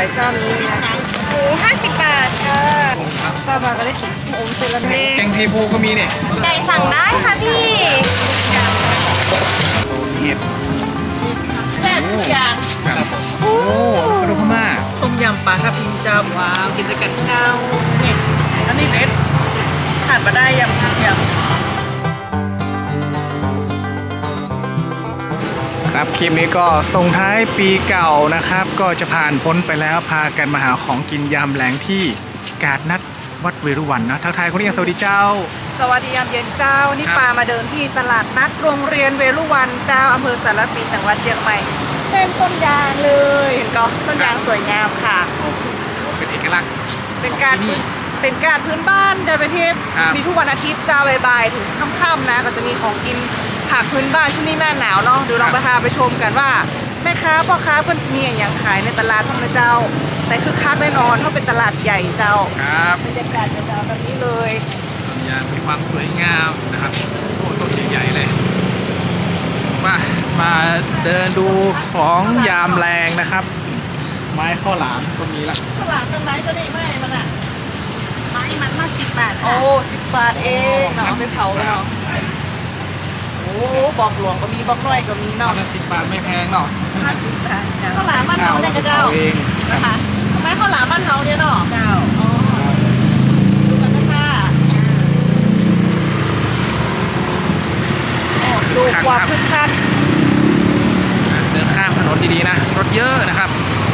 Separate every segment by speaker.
Speaker 1: วยเจ้านี้นะหมู50 บาทค่ะป้ามาก็ได้กินโอ้เซรันเน่
Speaker 2: แกงเทโพก็มีเนี่ย
Speaker 1: ไก่สั่งได้ค่ะพี่
Speaker 2: โซนเห็ด
Speaker 1: แซ่บทุกอย่าง
Speaker 2: ครับโอ้ขนมพม่า
Speaker 3: ต้มยำปลาทับทิมเจ้าว้าวกินด้วยกันเจ้าเนี่ยอันนี้เด็ดขาดมาได้ยำกุเชียง
Speaker 2: ครับคลิปนี้ก็ส่งท้ายปีเก่านะครับ ก็จะผ่านพ้นไปแล้วพากันมาหาของกินยามแรงที่กาดนัดวัดเวรุวันนะทักทายคนนี้สวัสดีเจ้า
Speaker 3: สวัสดียามเย็นเจ้านี่
Speaker 2: ครับ
Speaker 3: ปลามาเดินที่ตลาดนัดโรงเรียนเวรุวันเจ้าอำเภอสารปีจังหวัดเชียงใหม่เส้นต้นยางเลยเห็นก็ต้นยางสวยงามค่ะ
Speaker 2: เป็นเอกลักษณ์
Speaker 3: เป็นการ
Speaker 2: ที่นี่
Speaker 3: เป็นการพื้นบ้านเดินไปเที่ยว
Speaker 2: ครับ
Speaker 3: มีทุกวันอาทิตย์เจ้าบ่ายๆถึงค่ำๆนะก็จะมีของกินผักพื้นบ้านช่วงนี้หน้าหนาวเนาะเดี๋ยวเราไปพาไปชมกันว่าแม่ค้าพ่อค้าเพื่อนมีอย่างขายในตลาดท่องนะเจ้าแต่คือคักแน่นอนเพราะเป็นตลาดใหญ่เจ้า
Speaker 2: ครับ
Speaker 3: บรรยากาศเจ้าแบบนี้เลย
Speaker 2: ยามมีความสวยงามนะครับโอ้ต้นใหญ่ๆเลยมาเดินดูของยามแรงนะครับ ไม้ข้าวหลามก็มีละ
Speaker 3: ตลาดตรงไหนก็นี่ไม่มันอ่ะ
Speaker 1: ไม้มันมา10 บาท
Speaker 3: โอ้10 บาทเองเนาะเอาไปเผาแล้วเนาะโอ้บอกหลวงก็มีบอกน้อยก็มี
Speaker 2: ตอ
Speaker 3: เนาะ
Speaker 2: นละ10 บาทไม่แพงเนาะ
Speaker 1: 50 บาท
Speaker 3: ข้าวหลามบ้าน
Speaker 2: ข้า
Speaker 3: เฮาว เนี่
Speaker 2: เรา
Speaker 3: ย
Speaker 2: ไป
Speaker 3: เจ้า
Speaker 2: เผาเองครับ
Speaker 3: นะคะทำไมข้าวหลามบ้านเฮาเนี่ยเนาะเจ้าอ๋อดูกันนะคะโอ้ดูความคึกคัก
Speaker 2: เดินข้ามถนนดีๆนะ รถเยอะนะครับ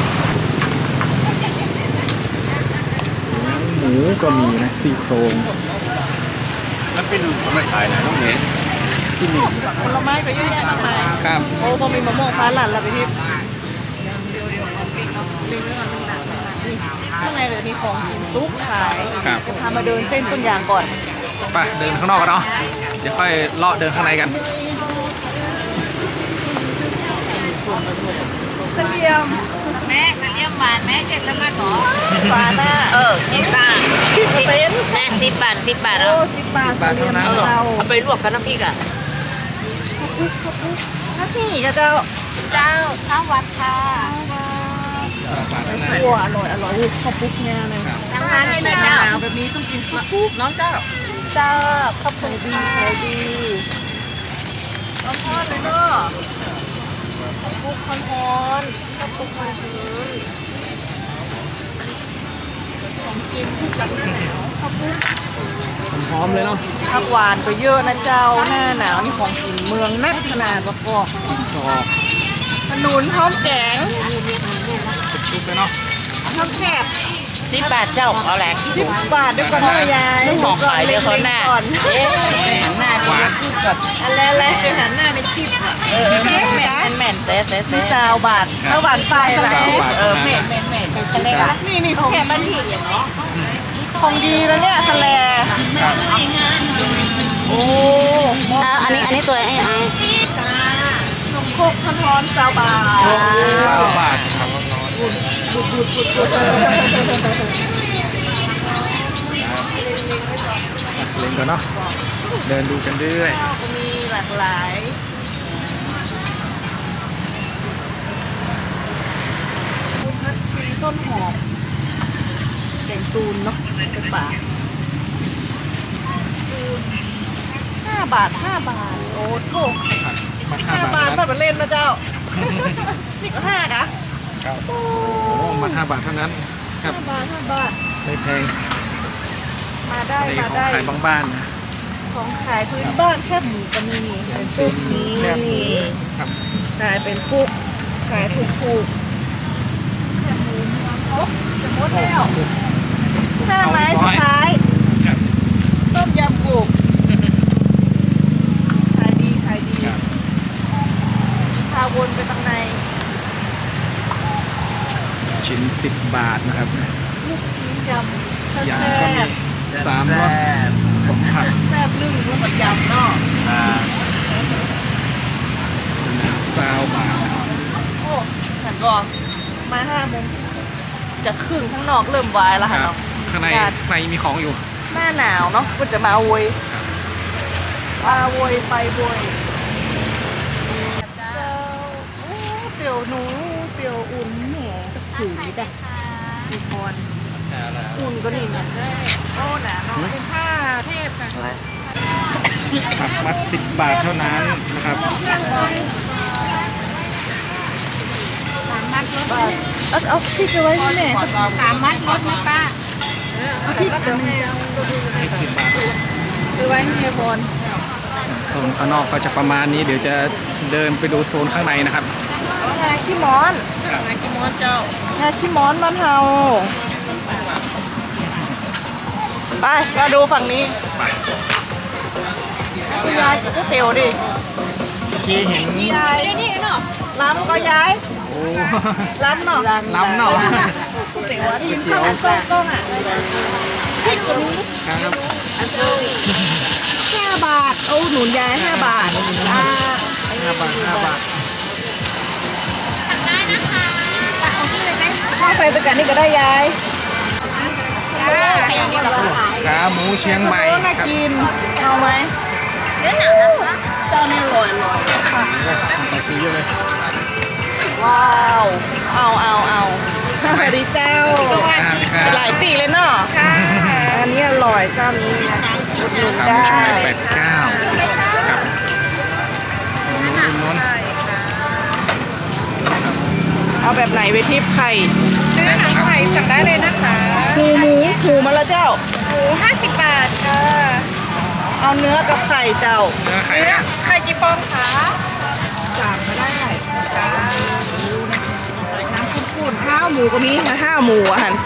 Speaker 2: หมูก็มีนะซี่โครง
Speaker 4: แล้วพี่หนุ่มเขาไม่ขายไหนน้องเมย์
Speaker 2: ที่หนึ่ง
Speaker 3: ผลไม้ก็เยอะแยะมากมาย
Speaker 2: ครับ
Speaker 3: โอ้พอมีมะม่วงฟ้าหลั่นแล้วไปที่เดี๋ยวของกินเนาะลืมเรื่องนึงนะนี่ข้างในเลยมีของกินซุปขาย
Speaker 2: ครับ
Speaker 3: จะพามาเดินเส้นต้นยางก่อน
Speaker 2: ไปเดินข้างนอกกันเนาะเดี๋ยวค่อยเลาะเดินข้างในกัน
Speaker 3: เสลียม
Speaker 1: แม่เสลียมหวานแม่เก็บแล้วมาหรอ
Speaker 3: ฟ้าหน้า
Speaker 1: 10 บาท
Speaker 3: เป็น
Speaker 1: แม่10 บาท 10 บาท
Speaker 3: โอ้
Speaker 1: เอา
Speaker 3: 10 บาทเสลียมเรา
Speaker 1: เอาไปลวกกับน้ำพริกอ่ะ
Speaker 3: ถ้าพี่ก็จะ
Speaker 1: เจ้าข้าววัดค่ะ
Speaker 2: บาทนั้น
Speaker 3: หัวอร่อยอร่อยข้าวปุ๊กเนี่ยเลย
Speaker 1: ทั้งนั้น
Speaker 3: ห
Speaker 1: เลยเจ้า
Speaker 3: นาวแบบนี้ต้องกินข้าวปุ๊กน้องเจ้าเจ้าข้าวปุ๊กดีขายดีร้อนทอดเลยเนาะข้าวปุ๊กร้อนทอนข้าวปุ๊กร้อนทอนของกินคู่กันหน้าหนาวข้าวปุ๊ก
Speaker 2: พร้อมเลยเนาะ
Speaker 3: ผักหวานก็เยอะนะเจ้าหน้าหนาวนี่ของกินเมืองนักขนาดประกอบ
Speaker 2: ชอบ
Speaker 3: ขนุนพร้อมแกง
Speaker 2: เป็นชุบเลยเนาะ
Speaker 3: ข้าวแคบ
Speaker 1: 10 บาทเจ้าเอาแหลก
Speaker 3: 10 บาทเดี๋ยวก่อนนะยาย
Speaker 1: หมอกขายเดี๋ยวเขาหน้า
Speaker 3: ก่อน
Speaker 1: เอ๊ะหันหน้า
Speaker 2: หวาน
Speaker 3: อะไรๆจะหันหน้าในคลิปอ่ะ
Speaker 1: แม่นแต่
Speaker 3: มี20 บาทข้าวหวานไฟอะไร
Speaker 1: แม่นทะเลละ
Speaker 3: นี่ของแคบบ้านที่ของดีแล้วเนี่ยสแลโอ้
Speaker 1: อันนี้ตัวไอ้
Speaker 3: นมโคกช้อนร้อน20 บาท
Speaker 2: บาทครับเล่นก่อนเนาะเดินดูกันเรื่อย
Speaker 3: ข้าวก็มีหลากหลายพุทธัชชีต้นหอมแกงตูนเนาะเป็นบาท5 บาท 5 บาท โอ้โห
Speaker 2: มา
Speaker 3: 5 บาทแบบเล่นนะเจ้า นี่ก็5นะ
Speaker 2: ครับโอ้มา5 บาทเท่านั้นครับ
Speaker 3: 5 บาท 5 บาท
Speaker 2: ไม่แพง
Speaker 3: มาได้
Speaker 2: ใน
Speaker 3: มา
Speaker 2: ของ
Speaker 3: ได้
Speaker 2: ขายบางบ้านนะ
Speaker 3: ของขายพื้นบ้านแคบหมูก็มีเป็นพวกนี้
Speaker 2: แคบหมูครับ
Speaker 3: ขายเป็นพวกขายถูกๆแคบหมูเมืองครบจะหมดแล้ว5 ไม้สุดท้าย
Speaker 2: ครับ
Speaker 3: ต้มยำกุบขายดีขายดี
Speaker 2: ครับ
Speaker 3: พาวนไปทางใน
Speaker 2: ชิ้น10 บาทนะครับ
Speaker 3: ลูกชิ้นยำแซ่
Speaker 2: ยางก็มี
Speaker 3: บ
Speaker 2: 3 รสสมผัด
Speaker 3: แซ่บนึ่งลูกกับยำเนาะ
Speaker 2: 20 บาทนะครับ
Speaker 3: โอ้ฉันก็มา5 โมงจะครึ่งข้างนอกเริ่มวายแล้ว
Speaker 2: ค
Speaker 3: ค่ะ
Speaker 2: รับ
Speaker 3: เนาะ
Speaker 2: ข้างในมีของอยู่
Speaker 3: หน้าหนาวเนาะก็จะมาโวยมาโวยไปโวยเจ้าโอ้เปรียวหนูเปรียวอุ่นแหมถูกนิดอ่ะมีพรอุ่นก็นี่นะโอ้หนาเนาะเป็นผ้าเทพค่ะ
Speaker 2: ผักมัด10 บาทเท่านั้นนะครับ
Speaker 3: เอาพริกเอาไว้ที่ไหน
Speaker 1: 3 มัดรถนะป้า
Speaker 3: เอาพริกเอา
Speaker 2: 10 บาท
Speaker 3: คือไว้ให้เฮียพร
Speaker 2: โซนข้างนอกก็จะประมาณนี้เดี๋ยวจะเดินไปดูโซนข้างในนะครับ
Speaker 3: งาขี้ม้อน
Speaker 1: งากิมอนเจ้าง
Speaker 3: าขี้ม้อนมันเฮาไปมาดูฝั่งนี้คุณยายกับก๋วยเตี๋ยวดิ
Speaker 2: เมื่อกี้เห็น
Speaker 3: ยาย
Speaker 1: นี่เนาะ
Speaker 3: ล้ำก็ยาย
Speaker 2: โอ้
Speaker 3: ล้ำเนาะ
Speaker 2: ล้ำเนาะ
Speaker 3: ก๋วยเตี๋ยวอะที่ข้าวต้มต้มอ่ะพริกตัวนี้
Speaker 2: ครับ
Speaker 3: 5 บาทเอาหนุนยาย5 บาทอ่า
Speaker 2: 5 บาท 5 บาท
Speaker 1: ได้นะคะเอาที่เลยไหม
Speaker 3: ข้าวใส่ตะกันนี่ก็ได้ยาย
Speaker 1: ขยันดีกว่าขาย
Speaker 2: ขาหมูเชียงใหม่
Speaker 3: โอ้น่า
Speaker 2: ครับ
Speaker 3: กินเอาไหม
Speaker 1: เนื้อหนังนะคะ
Speaker 3: เจ้านี่อร่อย
Speaker 2: ไปซื้อเยอะเลย
Speaker 3: ว้าวเอาสวัสดีเจ้า
Speaker 2: ครับ
Speaker 3: หลายปีเลยเนาะอันนี้อร่อยเจ้านี้อุดหนุน
Speaker 2: ขาห
Speaker 3: ได้
Speaker 2: มูเชียงใหม่89ครับนู้น
Speaker 3: เอาแบบไหนไปทิพย์ไข่
Speaker 1: เนื้อหนังไข่สั่งได้เลยนะคะ
Speaker 3: หมูมาแล้วเจ้า
Speaker 1: หมู50 บาทค่ะ
Speaker 3: เอาเนื้อกับไข่เจ้า
Speaker 2: เนื้อไข่
Speaker 1: เนื้อ
Speaker 2: นะ
Speaker 1: ไข่กี่ฟองคะ
Speaker 3: สั่งมาได้น้ำข้นๆข้าวหมูก็มีมา5 หมูอ่ะหัน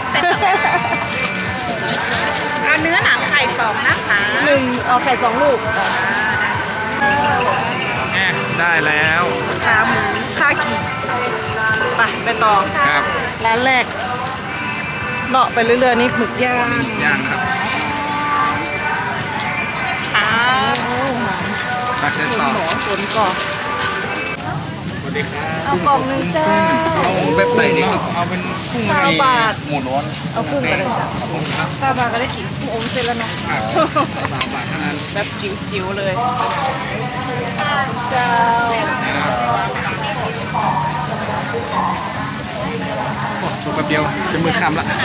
Speaker 1: เอาเนื้อหนังไข่2นะคะ
Speaker 3: 1เอาไข่2 ลูก
Speaker 2: แอะได้แล้ว
Speaker 3: ขาหมูค่ากี่ไปต่อ
Speaker 2: ครับ
Speaker 3: ร้านแรกเลาะไปเรื่อยๆนี่หมึกย่าง
Speaker 2: ย่างครับ
Speaker 1: ครับ
Speaker 2: ตักเดินต่อ
Speaker 3: หมอฝนก่อน
Speaker 2: สวัสดีครับ
Speaker 3: เอากล่องหนึงเจ้า
Speaker 2: เอาแบบไหนนี่ครับเอาเป็นกุ้ง
Speaker 3: 20 บาท
Speaker 2: หมูล้วน
Speaker 3: เอากุ้งไปเลยจ้ะ
Speaker 2: กุ้งครับ
Speaker 3: 20 บาทก็ได้กินกุ้งอมเสร็จแล้วเนาะ
Speaker 2: 3 บาทเท่านั้น
Speaker 3: แบบจิ๋วๆเลยเจ้า
Speaker 2: ถูกแป๊บเดียวจะมือคำละ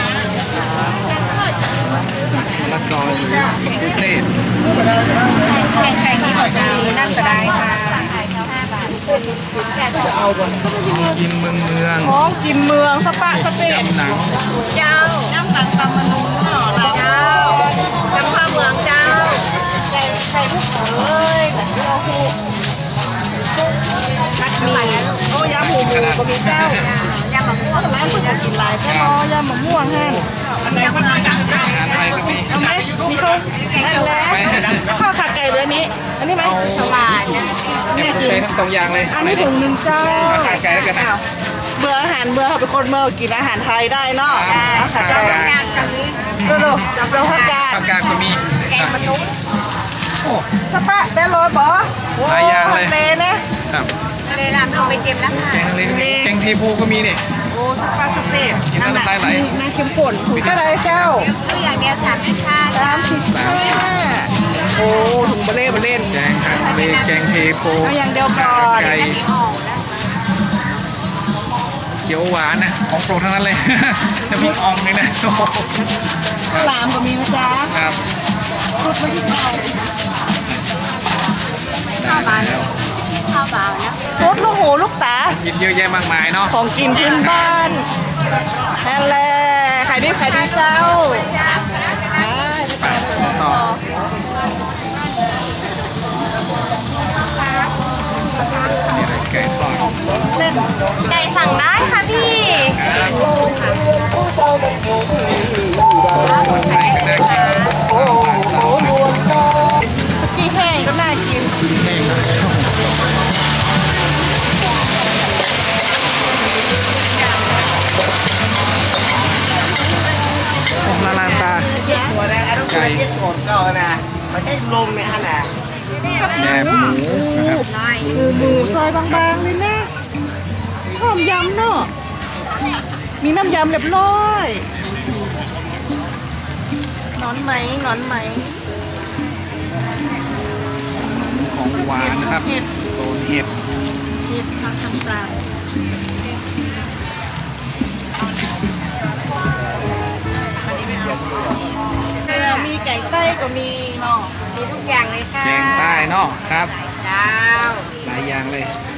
Speaker 2: ละกอหรือมะเขือเทศ
Speaker 1: ไข่นี่บอกจะนั่นก็ได้ค่ะ5 บาท
Speaker 2: กินเมือง
Speaker 3: ของกินเมืองสปะสเปน
Speaker 2: ยำหนัง
Speaker 3: เจ้าน้ำตังตำมะนุนเนาะเจ้าจำผ้าเมืองเจ้าไข่ลูกเอ้ยเราคู่นักมีโอ้ยำหมูก็มีเจ้ายำมะม่วงร้านคนกินหลายเจ้ายำมะม่วงฮะ
Speaker 2: อาหารไทยก็มี
Speaker 3: เอาไหมมีข้าวได้แล้วข้าวขาไก่เลยอันนี้ไหมฉลาด
Speaker 2: เนี่ยใช้ทั้ง2 อย่างเลย
Speaker 3: อันนี้ถุงหนึ่งเจ้า
Speaker 2: อาหารไก่แล้วกันนะ
Speaker 3: เบื่ออาหารเบื่อเขาเป็นคนเมื่อกินอาหารไทยได้เนาะขาไก่
Speaker 1: งานกับนี้
Speaker 3: ดูเราผักกาด
Speaker 2: ผักกาดก็มี
Speaker 1: แกงมะนุษย์
Speaker 2: โอ้
Speaker 3: สปะได้ร้อยบอ
Speaker 2: หลายอย่างเลย
Speaker 3: ทะเลนะครับ
Speaker 1: เลยร้านเอาไปเก็บนะคะ
Speaker 2: แกงทะเลก็มีแกงเทโพก็มีนี่
Speaker 3: โอ้สปะสเปน
Speaker 2: กินแล้วน้ำลายไหล
Speaker 3: น่าเข้มข้นถุงเท่าไรเจ้า
Speaker 1: ตัวอย่างเดียว35
Speaker 3: 35โอ้ถุงเบลเล่น
Speaker 2: แกงทะเลแกงเทโพ
Speaker 3: เอาอย่างเดียวก่อน
Speaker 2: ไก่
Speaker 1: ออกแล้ว
Speaker 2: เขียวหวานนะของโปรดทั้งนั้นเลย จะมีอ่องเลยนะโอ้โห
Speaker 3: ข้าวหลามก็มีนะจ๊ะ
Speaker 2: ครับ
Speaker 3: ชุดไม่ที่เก่า
Speaker 1: ข้าวบานข้าวบานนะ
Speaker 3: ซดลูกหูลูกตา
Speaker 2: กินเยอะแยะมากมายเนาะ
Speaker 3: ของกินพื้นบ้านนั่นแหละขายดีเจ้า
Speaker 2: ไปต่อ นี่อะไรไก่ทอด
Speaker 1: ไก่สั่งได้ค่ะพี่
Speaker 2: ครับคนไทยก็น่ากิน3 บาท
Speaker 3: กี้แห้งก็น่ากิน
Speaker 2: แห้งนะโอ้ละลานตา
Speaker 5: หัวแดงอันนั้น
Speaker 2: ไก่
Speaker 5: เย็ดโสดก่อนนะมันได้ลมเนี่ยฮะนะ
Speaker 2: แหนมหมูนะครับ
Speaker 3: คือหมูซอยบางๆเลยนะหอมยำเนาะมีน้ำยำเรียบร้อยหนอนไหม
Speaker 2: ของหวานนะครับ
Speaker 3: เห็ด
Speaker 2: โซนเห็ด
Speaker 3: เห็ดทางต่างๆส้ก็มีเนาะ
Speaker 1: มีทุกอย่างเลยค่ะ
Speaker 2: แกงใต้เนาะครับ
Speaker 1: ดาว
Speaker 2: หลายอย่างเลย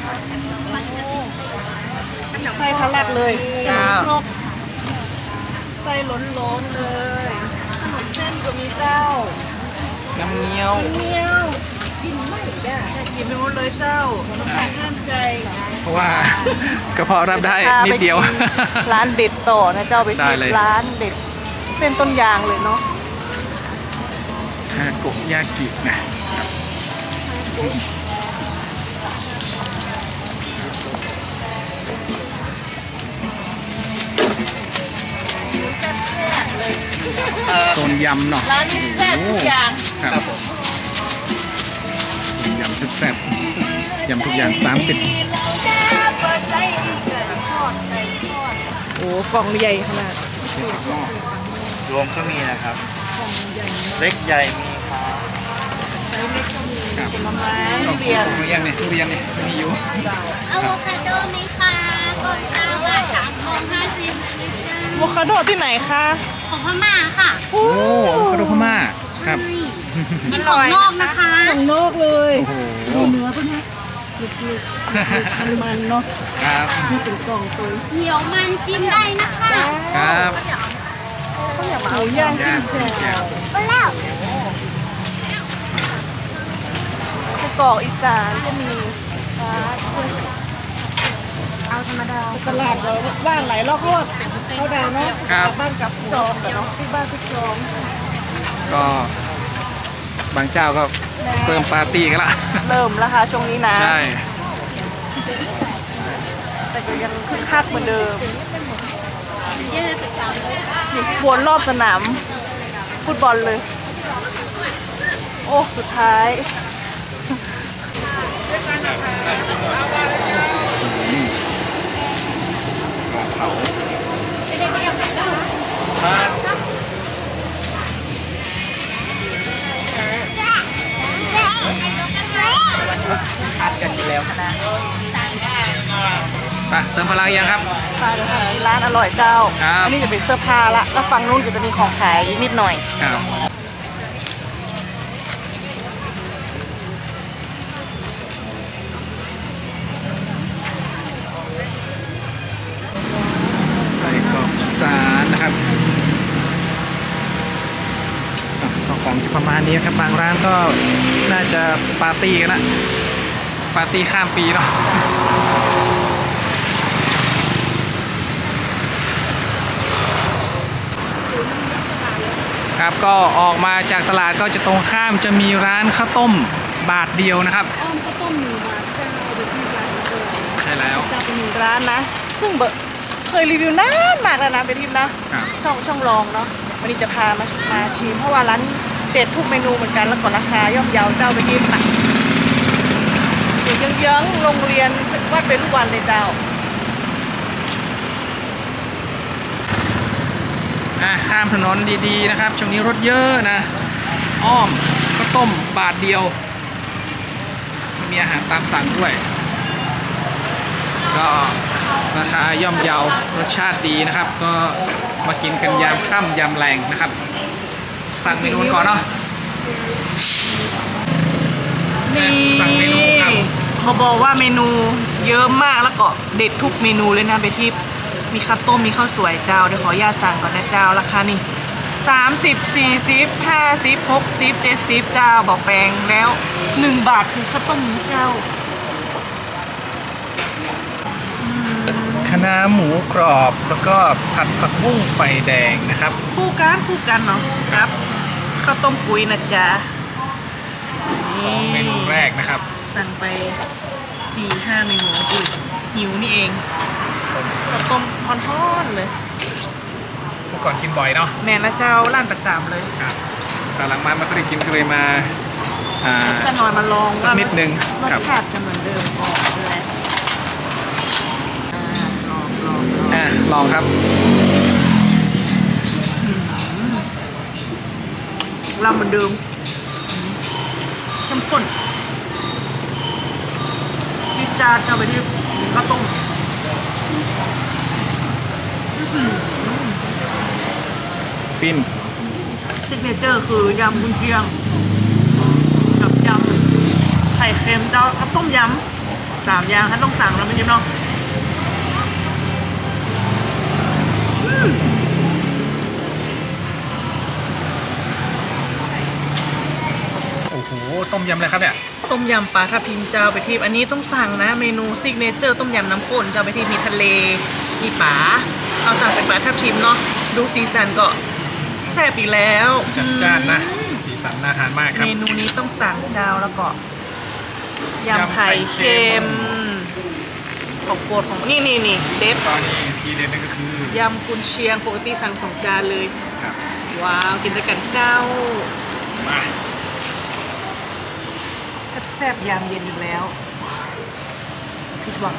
Speaker 3: ไส้ทะลักเลย
Speaker 1: ดาว
Speaker 3: ครกไส้ล้นๆเลยขนมเส้นก็มีเจ้า
Speaker 2: น้ำเงี้ยว
Speaker 3: เมียวกินไม่ได้กินไม่หมดเลยเจ้าห้ามใจ
Speaker 2: เพราะว่ากระเพาะรับได้นิดเดียว
Speaker 3: ร้านเด็ดต่อนะเจ้าไป
Speaker 2: ได้
Speaker 3: ที่
Speaker 2: เลย
Speaker 3: ร้านเด็ดเป็นต้นยางเลยเนาะ
Speaker 2: ฮาโกยากินะโซนยำเนาะ
Speaker 3: ร้านนี้แซ่บทุกอย่าง
Speaker 2: ครับยำแซ่บๆยำทุกอย่าง 30
Speaker 3: โอ้กล่องใหญ่ขนาด
Speaker 5: รวมก็มีนะครับ เล็กใหญ่มีครับ
Speaker 2: ครับ
Speaker 3: ผลไม้
Speaker 2: ทุ
Speaker 3: เปลี่ยน
Speaker 2: เรียนเนี่ยทุเรียนเนี่ยมีอยู่
Speaker 1: อะโวคาโดไหมคะกล่องตาว่า3 กล่อง 50นะจ๊ะ
Speaker 3: โวคาโดที่ไหนคะ
Speaker 1: ของพม่าค่ะ
Speaker 2: โอ้อะโวคาโดพม่าครับ
Speaker 1: มีของนอกนะคะ
Speaker 3: ของนอกเลย
Speaker 2: โอ้โห
Speaker 3: เนื้อปะเนี่ยมันเนาะ
Speaker 2: ครับ
Speaker 3: ที่เป็นกล่องตัว
Speaker 1: เหนียวมันจิ้มได้นะคะ
Speaker 2: ครับ
Speaker 3: หมูย่าง
Speaker 2: ย่าง
Speaker 3: จิ้ม
Speaker 2: แจ่
Speaker 3: แจ่ว
Speaker 2: ว
Speaker 1: ไปแล้ว
Speaker 3: ไส้กรอกอีสานก็มี
Speaker 1: เอาธรรมดา
Speaker 3: ตลาดเราว่างหลายรอบเพราะว่าเขาดังเนาะ
Speaker 2: ครับ
Speaker 3: บ้านกับจองแต่เนาะที่บ้านที่จอง
Speaker 2: ก็บางเจ้าก็เพิ่มปาร์ตี้กันละ
Speaker 3: เริ่มแล้วค่ะช่วงนี้นะ
Speaker 2: ใช่
Speaker 3: แต่ก็ยังคึกคักเหมือนเดิมนี่วนรอบสนามฟุตบอลเลย โอ้สุดท้าย
Speaker 2: ไปเติมพลังยังครับ
Speaker 3: มาเลยค่ะร้านอร่อยเจ้า
Speaker 2: ครับ
Speaker 3: อันี้จะเป็นเสื้อผ้าละแล้วฝั่งนู้นก็จะมีของขายนิดหน่อย
Speaker 2: ครับใส่กรอกอีสานนะครับก็ของจะประมาณนี้ครับบางร้านก็น่าจะปาร์ตี้กันละปาร์ตี้ข้ามปีเนาะครับก็ออกมาจากตลาดก็จะตรงข้ามจะมีร้านข้าวต้มบาทเดียวนะครับ
Speaker 3: อ้อมข้าวต้มหนึ่งบาทเจ้าเดี๋ยวที่ร้านเดิม
Speaker 2: ใช่แล้ว
Speaker 3: จะเป็นหนึ่งร้านนะ ซึ่งเคยรีวิวนานมากแล้วนะเป็นทิปนะ
Speaker 2: ครับ
Speaker 3: ช่องลองเนาะวันนี้จะพามาชิมเพราะว่าร้านเด็ดทุกเมนูเหมือนกันแล้วก็ราคาย่อมเยาเจ้าไปทิปนะอยู่เยื้องๆโรงเรียนวัดเวรุวันเลยเจ้า
Speaker 2: ข้ามถนนดีๆนะครับช่วงนี้รถเยอะนะ อ้อมข้าวต้มบาทเดียวมีอาหารตามสั่งด้วย ก็ราคาย่อมเยาวรสชาติดีนะครับ ก็มากินกันยามค่ำยามแรงนะครับ สั่งเมนูก่อนเนาะ
Speaker 3: นี่
Speaker 2: สั่งเมนูครับ
Speaker 3: เขาบอกว่าเมนูเยอะมากแล้วก็เด็ดทุกเมนูเลยนะเบทิปมีข้าวต้มมีข้าวสวยเจ้าเดี๋ยวขออนุญาตสั่งก่อนนะเจ้าราคานี่30 40 50 60 70เจ้าบอกแปลงแล้ว1 บาทคือข้าวต้มนี้เจ้า
Speaker 2: คะน้าหมูกรอบแล้วก็ผัดผักบุ้งไฟแดงนะครับ
Speaker 3: คู่กันเนาะครับข้าวต้มกุ้ยนะจ๊ะ
Speaker 2: 2 เมนูแรกนะครับ
Speaker 3: สั่งไป 4-5 เมนูอุ๊ยหิวนี่เองข้าวต้มฮ้อนๆเลย
Speaker 2: เมื่อก่อนกินบ่อยเนาะ
Speaker 3: แม่นะเจ้าร้านประจำเลย
Speaker 2: ครับแต่หลังมาไม่ค่อยได้กินก็เลยมาอ่า
Speaker 3: สักหน่อยมาลอง
Speaker 2: สักนิดนึง
Speaker 3: รส
Speaker 2: ครับ
Speaker 3: ชาติจะเหมือนเดิมก่อนเลยลอง
Speaker 2: ลองครับ
Speaker 3: ลำเหมือนเดิมเข้มข้นที่จานจะไปที่ข้าวต้ม
Speaker 2: ฟิน
Speaker 3: ซิกเนเจอร์คือยำกุนเชียงกับยำไข่เค็มเจ้ากับต้มยำ3 อย่างท่านต้องสั่งแล้วไม่ใช่เนาะ
Speaker 2: โอ้โหต้มยำอะไรครับเนี่ย
Speaker 3: ต้มยำปลาทับทิมเจ้าไปทิพย์อันนี้ต้องสั่งนะเมนูซิกเนเจอร์ต้มยำน้ำข้นเจ้าไปทิพย์มีทะเลมีปลาเอาสั่งเป็นปลาทับทิมเนาะดูสีสันก็แซ่บอีกแล้ว
Speaker 2: จัดจ้านนะสีสันน่าทานมากครับ
Speaker 3: เมนูนี้ต้องสั่งเจ้าแล้วก็ยำไข่เค็มของโปรดของนี่เด็ด
Speaker 2: ตอนนี้ทีเด็ดนั่นก็คือย
Speaker 3: ำกุนเชียงปกติสั่ง2 จานเลย
Speaker 2: ครับ
Speaker 3: ว้าวกินด้วยกันเจ้า
Speaker 2: มา
Speaker 3: แซ่บๆยามเย็นอีกแล้วผิดหวัง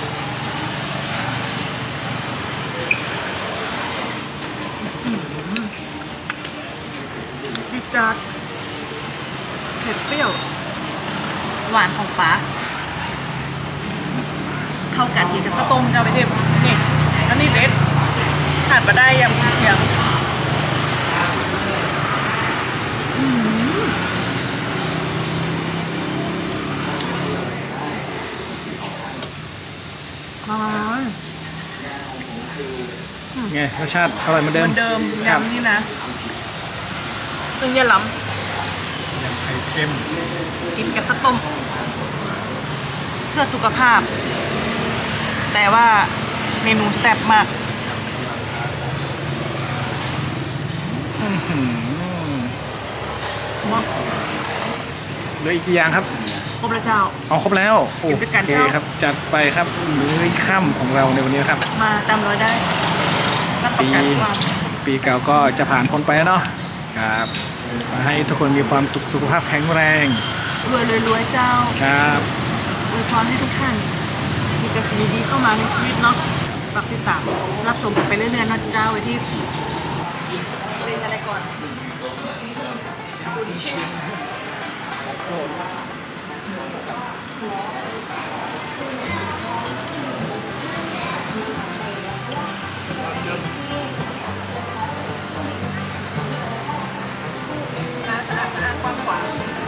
Speaker 3: ดีจัดเผ็ดเปรี้ยว หวานของปลาเข้ากันดีกับข้าวต้มเจ้าไปเทพนี่แล้วนี่เด็ดขาดมาได้ยำกุนเชียง
Speaker 2: ไงรสชาติอร่อยเหมือน
Speaker 3: เห
Speaker 2: เดิม
Speaker 3: มือนเดิม
Speaker 2: ครับ
Speaker 3: ยำนี่นะตึงยาหล้
Speaker 2: ยำไข่เค็ม
Speaker 3: ำกินกับข้าวต้ม เพื่อสุขภาพ แต่ว่าเมนูแซ่บมาก
Speaker 2: อื้อหือ
Speaker 3: มาก
Speaker 2: เหลืออีกกี่อย่างครับ
Speaker 3: ครบแล้วเจ้า
Speaker 2: เอาครบแล้วโอ
Speaker 3: กินด้วยกัน
Speaker 2: เค
Speaker 3: เจ้า
Speaker 2: ครับจัดไปครับมื้อค่ำของเราในวันนี้นะครับ
Speaker 3: มาตามร้อยได้รับประกันความ
Speaker 2: ปีเก่าก็จะผ่านพ้นไปแล้วเนาะครับขอให้ทุกคนมีความสุขสุขภาพแข็งแรง
Speaker 3: รวยรวยๆเจ้า
Speaker 2: ครับ
Speaker 3: อวยพรให้ทุกท่าน มีแต่สิ่งดีๆเข้ามาในชีวิตเนาะฝากติดตามรับชมกันไปเรื่อยๆนะเจ้าไว้ที่เล่นอะไรก่อนคุณเชียงร้านสะอาดกว้างขวาง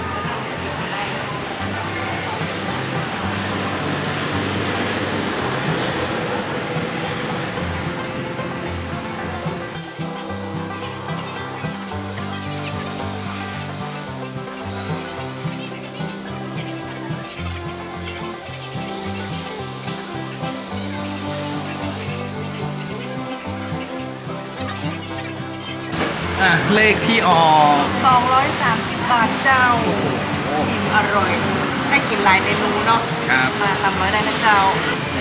Speaker 2: เลขที่ออก
Speaker 3: 230 บาทเจ้าอิ่มอร่อย ได้กินหลายเมนูเนาะ
Speaker 2: ครับ
Speaker 3: มาตามร้อยได้นะเจ้า